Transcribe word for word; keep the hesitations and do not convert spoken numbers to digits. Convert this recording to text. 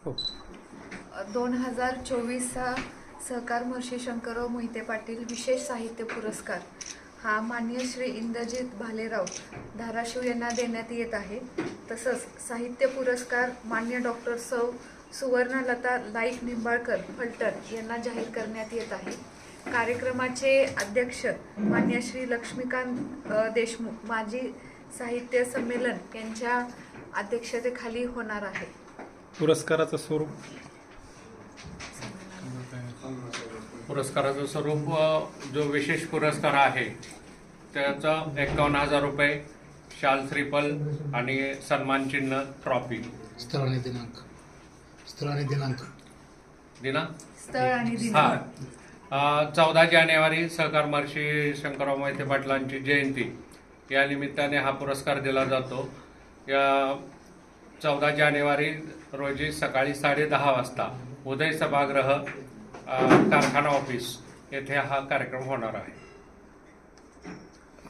हो. दोन हजार चोवीसचा सहकार महर्षी शंकरराव मोहिते पाटील विशेष साहित्य पुरस्कार हा माननीय श्री इंद्रजित भालेराव धाराशिव यांना देण्यात येत आहे. तसंच साहित्य पुरस्कार मान्य डॉक्टर सौ सुवर्णलता लाईक निंबाळकर फलटण यांना जाहीर करण्यात येत आहे. कार्यक्रमाचे अध्यक्ष मान्य श्री लक्ष्मीकांत अ, देशमुख माजी साहित्य संमेलन यांच्या अध्यक्षतेखाली होणार आहे. पुरस्काराचं स्वरूप पुरस्काराचं स्वरूप अ, जो विशेष पुरस्कार आहे त्याचा एकावन्न हजार रुपये, शाल श्रीफल आणि सन्मान चिन्ह, ट्रॉफी. स्थळ आणि दिनांक स्थळ आणि दिनांक दिनांक स्थळ आणि हा दिनांक चौदा जानेवारी सहकार महर्षी शंकरराव मोहिते पाटलांची जयंती या निमित्ताने हा पुरस्कार दिला जातो. या चौदा जानेवारी रोजी सकाळी साडे दहा वाजता उदय सभागृह अ, कारखाना ऑफिस येथे हा कार्यक्रम होणार आहे.